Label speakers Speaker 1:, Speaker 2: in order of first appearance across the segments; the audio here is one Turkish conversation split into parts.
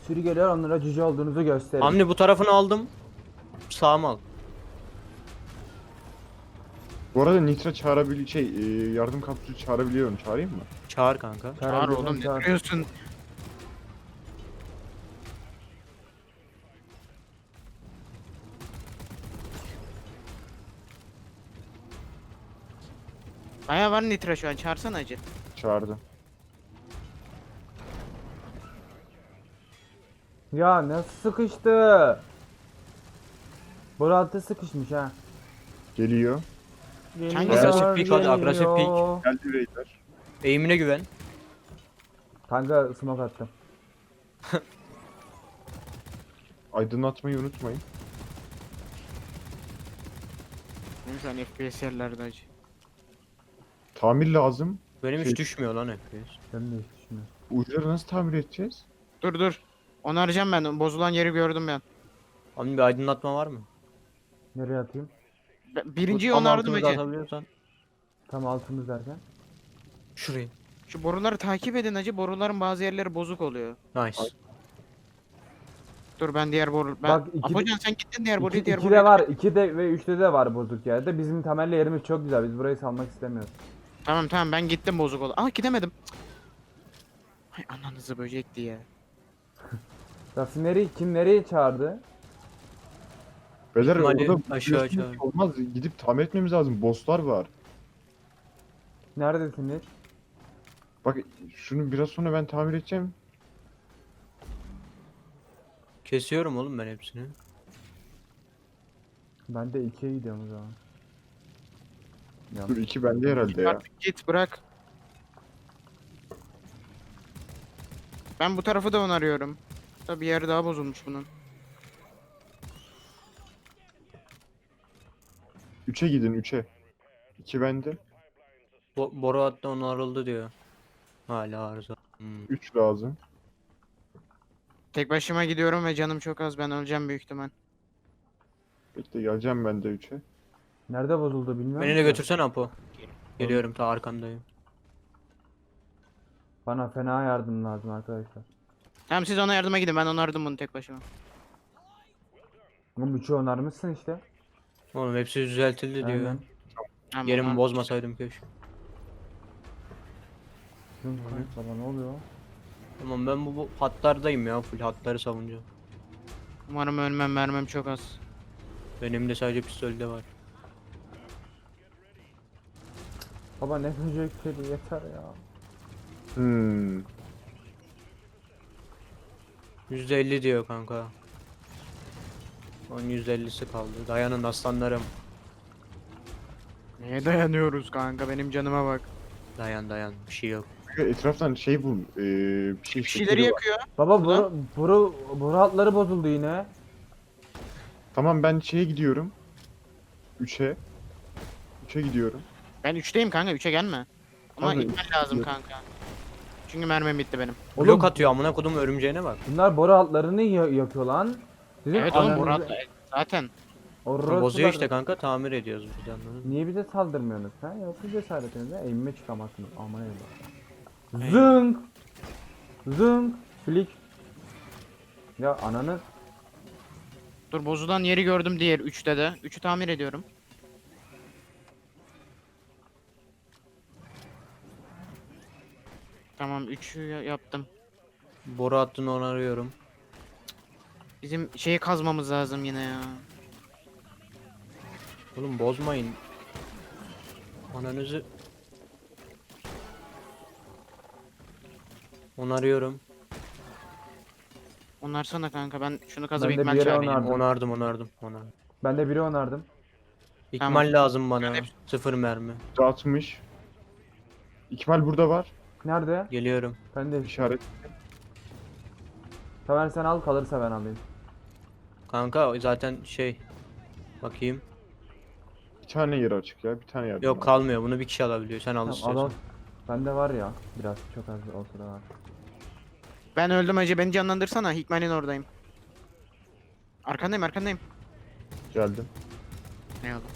Speaker 1: sürü geliyor, onlara cüce olduğunuzu gösterin.
Speaker 2: Hamdi bu tarafını aldım. Sağımı al.
Speaker 3: Bu arada Nitra yardım kapsülü çağırabiliyorum. Çağırayım mı?
Speaker 2: Çağır kanka.
Speaker 4: Çağır oğlum, ne
Speaker 1: Çağır.
Speaker 4: duruyorsun? Baya var nitra şu an, çağırsana acı.
Speaker 3: Çağırdım.
Speaker 1: Ya nasıl sıkıştı? Burası sıkışmış ha.
Speaker 3: Geliyor.
Speaker 2: Agresif pick hadi, agresif pick.
Speaker 3: Geldi Raider.
Speaker 2: Eğimine güven.
Speaker 1: Kanka smoke attım.
Speaker 3: Aydınlatmayı unutmayın.
Speaker 4: Benim şu an FPS yerlerde acı.
Speaker 3: Tamir lazım.
Speaker 2: Benim
Speaker 3: Şey-
Speaker 2: hiç düşmüyor lan FPS.
Speaker 1: Ben de hiç düşünmüyorum.
Speaker 3: Uçları nasıl tamir edeceğiz?
Speaker 4: Dur. Onaracağım ben. Bozulan yeri gördüm ben.
Speaker 2: Hamdi bir aydınlatma var mı?
Speaker 1: Nereye atayım?
Speaker 4: Birinciyi
Speaker 2: Tam
Speaker 4: onardım
Speaker 2: altımızda
Speaker 4: acı.
Speaker 2: atabiliyorsan.
Speaker 1: Tam altımız derken.
Speaker 2: Şurayı.
Speaker 4: Şu boruları takip edin acı. Boruların bazı yerleri bozuk oluyor.
Speaker 2: Nice.
Speaker 4: Dur ben diğer boru...
Speaker 1: Bak,
Speaker 4: Apocan sen gittin diğer boruyu, diğer
Speaker 1: 2'de
Speaker 4: boruyu.
Speaker 1: var, 2'de ve 3'te de var bozuk yerde. Bizim temelli yerimiz çok güzel. Biz burayı salmak istemiyoruz.
Speaker 4: Tamam ben gittim, bozuk oldu. Aa, gidemedim. Hay ananızı böcekti ya.
Speaker 1: Rafineri kim nereye çağırdı?
Speaker 3: Beyler
Speaker 2: İhtimali
Speaker 3: orada
Speaker 2: aşağı
Speaker 3: biliyorsunuz
Speaker 2: çağır.
Speaker 3: ki olmaz. Gidip tamir etmemiz lazım. Bosslar var.
Speaker 1: Neredesiniz?
Speaker 3: Bak şunu biraz sonra ben tamir edeceğim.
Speaker 2: Kesiyorum oğlum ben hepsini.
Speaker 1: Ben de 2'ye gidiyorum o zaman. Ya,
Speaker 3: Dur 2 bende herhalde ya.
Speaker 4: Artık git, bırak. Ben bu tarafı da onarıyorum. Tabi bir yeri daha bozulmuş bunun.
Speaker 3: 3'e gidin 3'e. 2 bende.
Speaker 2: Boru hatta onarıldı diyor. Hala arıza.
Speaker 3: 3 lazım.
Speaker 4: Tek başıma gidiyorum ve canım çok az. Ben öleceğim büyük ihtimal.
Speaker 3: Bekle geleceğim ben de 3'e.
Speaker 1: nerede bozuldu bilmiyorum.
Speaker 2: Beni de
Speaker 1: ki.
Speaker 2: götürsen Apo. Geliyorum, ta arkandayım.
Speaker 1: Bana fena yardım lazım arkadaşlar.
Speaker 4: Tamam siz ona yardıma gidin. Ben onardım bunu tek başıma.
Speaker 1: Oğlum 3'ü onarmışsın işte.
Speaker 2: Oğlum hepsi düzeltildi diyor.
Speaker 1: Aynen.
Speaker 4: Tamam,
Speaker 2: Yerimi
Speaker 4: onar-
Speaker 2: bozmasaydım keşke.
Speaker 1: Baba ne oluyor?
Speaker 2: Tamam ben bu hatlardayım ya, full hatları savunacağım.
Speaker 4: Umarım ölmem, mermim çok az.
Speaker 2: Benim de sadece pistolde var.
Speaker 1: Baba ne böcekleri yeter ya.
Speaker 3: Hmm.
Speaker 2: %50 diyor kanka. Onun %50'si kaldı. Dayanın aslanlarım.
Speaker 4: Neye dayanıyoruz kanka? Benim canıma bak.
Speaker 2: Dayan bir şey yok.
Speaker 3: Etraftan şey bul. Bir
Speaker 4: Bir şeyleri
Speaker 3: şekeri var.
Speaker 4: yakıyor.
Speaker 1: Baba
Speaker 4: Ulan.
Speaker 1: boru hatları bozuldu yine.
Speaker 3: Tamam ben şeye gidiyorum. 3'e. 3'e gidiyorum.
Speaker 4: Ben 3'teyim kanka, 3'e gelme. Ama
Speaker 3: Kanka,
Speaker 4: gitmen lazım
Speaker 3: yok.
Speaker 4: kanka. Çünkü mermim bitti benim.
Speaker 1: Oğlum,
Speaker 2: Blok atıyor amına kodum örümceğine bak.
Speaker 1: bunlar boru hatlarını yakıyor lan. Sizin
Speaker 4: Evet oğlum,
Speaker 1: ananızı-
Speaker 4: Murat zaten.
Speaker 1: Orospular-
Speaker 2: Bozuyor işte kanka, tamir ediyoruz biz anladın mı?
Speaker 1: Niye bize saldırmıyorsunuz ha? Yoksa cesaretinize eğime çıkamazsınız. Aman eyvallah. Zınk! Zınk! Flik! Ya ananı...
Speaker 4: Dur, bozulan yeri gördüm diğer 3'te de. 3'ü tamir ediyorum. Tamam 3'ü yaptım.
Speaker 2: Boru hattını onarıyorum.
Speaker 4: Bizim şeyi kazmamız lazım yine ya.
Speaker 2: Oğlum bozmayın. Ananızı onarıyorum.
Speaker 4: Onarsana kanka, ben şunu kazıp
Speaker 1: Ben de
Speaker 4: ikmal
Speaker 1: bir yere
Speaker 4: çağırayım.
Speaker 1: onardım.
Speaker 2: Onardım.
Speaker 1: Ben de biri onardım.
Speaker 2: İkmal
Speaker 4: Tamam.
Speaker 2: lazım bana.
Speaker 4: Hep-
Speaker 2: 0 mermi.
Speaker 3: 60. İkmal burada var.
Speaker 1: Nerede?
Speaker 2: Geliyorum.
Speaker 1: Ben de
Speaker 3: İşaret.
Speaker 1: Tamer sen al, kalırsa ben alayım.
Speaker 2: Kanka zaten şey. Bakayım.
Speaker 3: Bir tane yer açık ya. Bir tane yer.
Speaker 2: Yok kalmıyor. Bunu bir kişi alabiliyor. Sen al
Speaker 1: Tamam, al
Speaker 2: istiyorsan.
Speaker 1: al. Bende var ya. Biraz çok az olsa da var.
Speaker 4: Ben öldüm acı, beni canlandırsana. Hikmet'in oradayım. Arkandayım.
Speaker 3: Geldim.
Speaker 4: Ne oldu?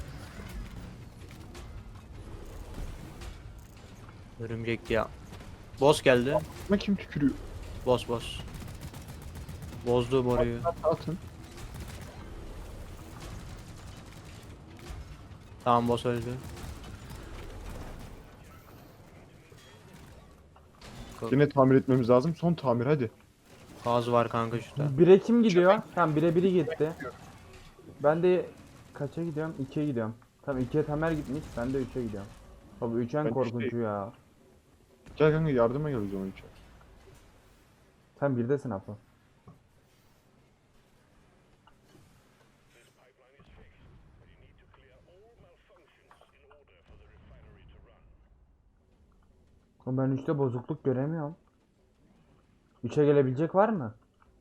Speaker 2: Örümcek ya. Boss geldi.
Speaker 3: Buna kim tükürüyor?
Speaker 2: Boss. Bozdu boruyu.
Speaker 3: Atın.
Speaker 2: Tamam boss öldü.
Speaker 3: Yine tamir etmemiz lazım. Son tamir hadi.
Speaker 2: Gaz var kanka şurada.
Speaker 1: 1'e kim gidiyor? Tamam 1'e biri gitti. Ben de kaça gidiyorum? 2'ye gidiyorum. Tamam 2'ye Tamer gitmiş. Ben de 3'e gidiyorum. Baba 3 en
Speaker 3: Ben
Speaker 1: korkuncu
Speaker 3: üçteyim.
Speaker 1: ya.
Speaker 3: Gel kanka yardıma gel o zaman içeri.
Speaker 1: Sen 1'desin Apo. Oğlum ben 3'te bozukluk göremiyorum. 3'e gelebilecek var mı?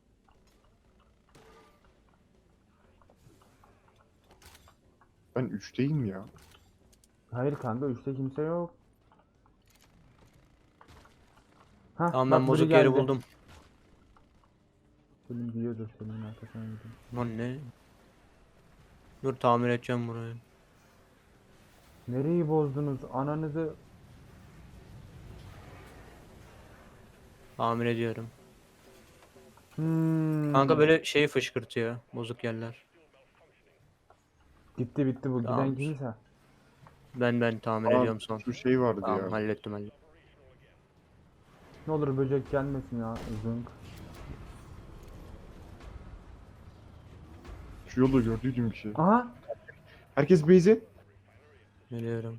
Speaker 3: Ben 3'teyim ya.
Speaker 1: Hayır kanka 3'te kimse yok. Hah,
Speaker 2: Tamam
Speaker 1: bak
Speaker 2: ben
Speaker 1: biri
Speaker 2: bozuk yeri
Speaker 1: geldi.
Speaker 2: buldum.
Speaker 1: Selim biliyordur senin arkasına gidiyorum.
Speaker 2: Lan ne? Dur tamir edeceğim burayı.
Speaker 1: Nereyi bozdunuz? Ananızı...
Speaker 2: Tamir ediyorum.
Speaker 1: Hmm.
Speaker 2: Kanka böyle şey fışkırtıyor. Bozuk yerler.
Speaker 1: Gitti bitti bu giden
Speaker 2: Tamam.
Speaker 1: kimse.
Speaker 2: Ben tamir
Speaker 3: Aa,
Speaker 2: ediyorum son.
Speaker 3: şu şey vardı
Speaker 2: Tamam
Speaker 3: ya.
Speaker 2: hallettim.
Speaker 1: Ne olur böcek gelmesin ya. Zınk.
Speaker 3: Şu yolda gördüğüm bir şey.
Speaker 1: Aha.
Speaker 3: Herkes base'e.
Speaker 2: Geliyorum.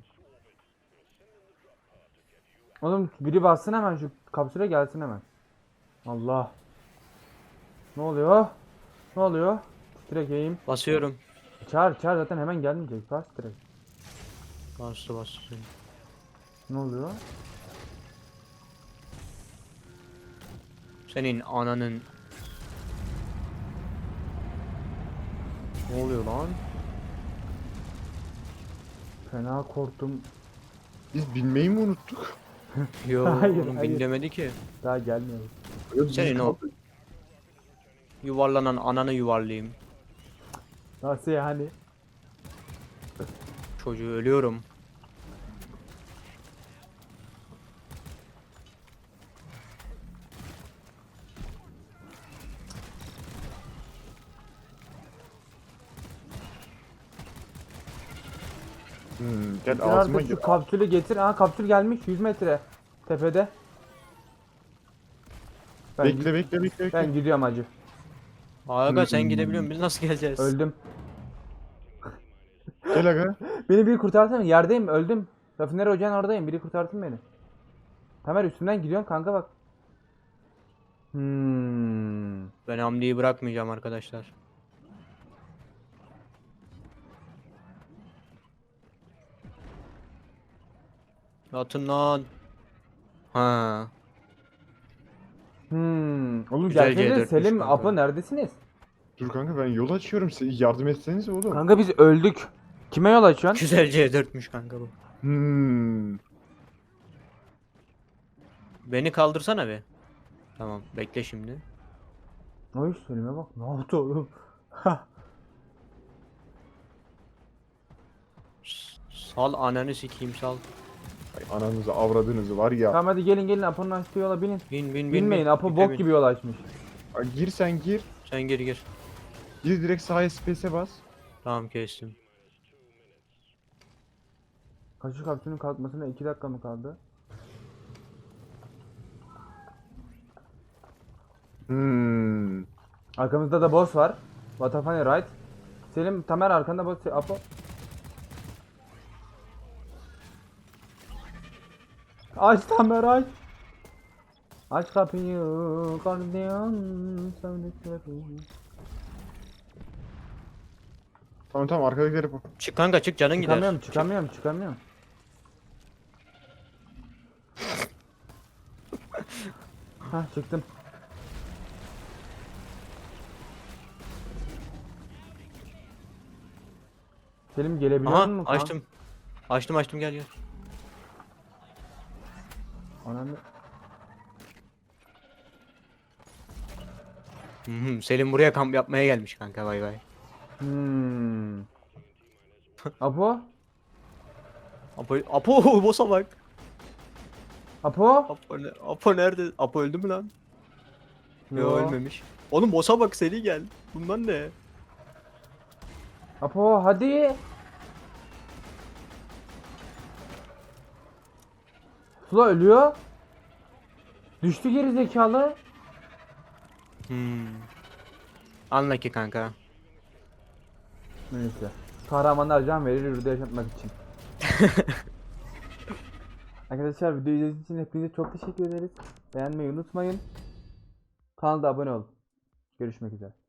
Speaker 1: Oğlum biri bassın hemen şu kapsüle gelsin hemen. Allah. Ne oluyor? Ne oluyor? Direkt eğim.
Speaker 2: Basıyorum.
Speaker 1: Çağır zaten hemen gelmeyecek. Bas direkt.
Speaker 2: Bastı.
Speaker 1: Ne oluyor?
Speaker 2: Senin ananın. Ne oluyor lan?
Speaker 1: Fena korktum.
Speaker 3: Biz binmeyi mi unuttuk?
Speaker 2: Yo
Speaker 1: Hayır,
Speaker 2: oğlum
Speaker 1: hayır.
Speaker 2: bin demedi ki.
Speaker 1: Daha gelmiyor.
Speaker 3: Ya biz
Speaker 2: Senin o
Speaker 3: kaldık.
Speaker 2: yuvarlanan ananı yuvarlayayım.
Speaker 1: Nasıl yani?
Speaker 2: Çocuğu ölüyorum.
Speaker 3: Gel
Speaker 1: Getir
Speaker 3: ağzıma
Speaker 1: artık
Speaker 3: gir.
Speaker 1: şu kapsülü getir. Aha kapsül gelmiş 100 metre. Tepede. Ben,
Speaker 3: Bekle.
Speaker 1: ben gidiyorum acı.
Speaker 2: Aga sen gidebiliyorsun biz nasıl geleceğiz?
Speaker 1: Öldüm.
Speaker 3: Gel aga.
Speaker 1: Beni biri kurtarsana. Yerdeyim öldüm. Rafineri ocağın oradayım. Biri kurtarsın beni. Tamer üstünden gidiyorum kanka bak.
Speaker 2: Ben Hamdi'yi bırakmayacağım arkadaşlar. Atın lan. Ha.
Speaker 1: Oğlum
Speaker 2: Güzel
Speaker 1: gelsenize
Speaker 2: C4'müş
Speaker 1: Selim,
Speaker 2: kanka.
Speaker 1: Apo neredesiniz?
Speaker 3: Dur kanka ben yol açıyorum. Siz yardım etseniz oğlum.
Speaker 1: Kanka biz öldük. Kime yol açıyorsun?
Speaker 2: Güzel C4'müş kanka bu. Beni kaldırsana be. Tamam bekle şimdi.
Speaker 1: Ay Selim'e bak. Ne yaptı oğlum?
Speaker 2: Sal ananı sikeyim sal.
Speaker 3: Ay, ananızı avradınızı var ya.
Speaker 1: Tamam hadi gelin Apo'nun açtığı yola binin.
Speaker 2: Bin.
Speaker 1: Binmeyin Apo
Speaker 2: Bin,
Speaker 1: bok
Speaker 2: bin.
Speaker 1: gibi yol açmış.
Speaker 3: Ay, gir sen gir.
Speaker 2: Sen gir.
Speaker 3: Gir direkt sağa space'e bas.
Speaker 2: Tamam kestim.
Speaker 1: Kaşık kapsülün kalkmasına 2 dakika mı kaldı? Arkamızda da boss var. Vatafani right. Selim Tamer arkanda boss. Apo. Aç Tamer aç. Aç kapıyı gardiyan sevdiklerim.
Speaker 3: Tamam arkadakileri bak.
Speaker 2: Çık kanka çık canın gider.
Speaker 1: Çıkamıyorum. Hah çıktım. Selim gelebiliyor
Speaker 2: Aha
Speaker 1: musun?
Speaker 2: açtım. Açtım gel.
Speaker 1: Ananı.
Speaker 2: Selim buraya kamp yapmaya gelmiş kanka bay.
Speaker 1: Apo?
Speaker 2: Apo boss'a bak.
Speaker 1: Apo?
Speaker 2: Apo nerede? Apo öldü mü lan? Yo ölmemiş. Oğlum boss'a bak seri gel. Bundan ne?
Speaker 1: Apo hadi. Sula ölüyor. Düştü geri zekalı.
Speaker 2: Anla ki kanka.
Speaker 1: Neyse. Kahramanlar can verir yurda yaşatmak için. Arkadaşlar videoyu izlediğiniz için hepinize çok teşekkür ederiz. Beğenmeyi unutmayın. Kanala da abone olun. Görüşmek üzere.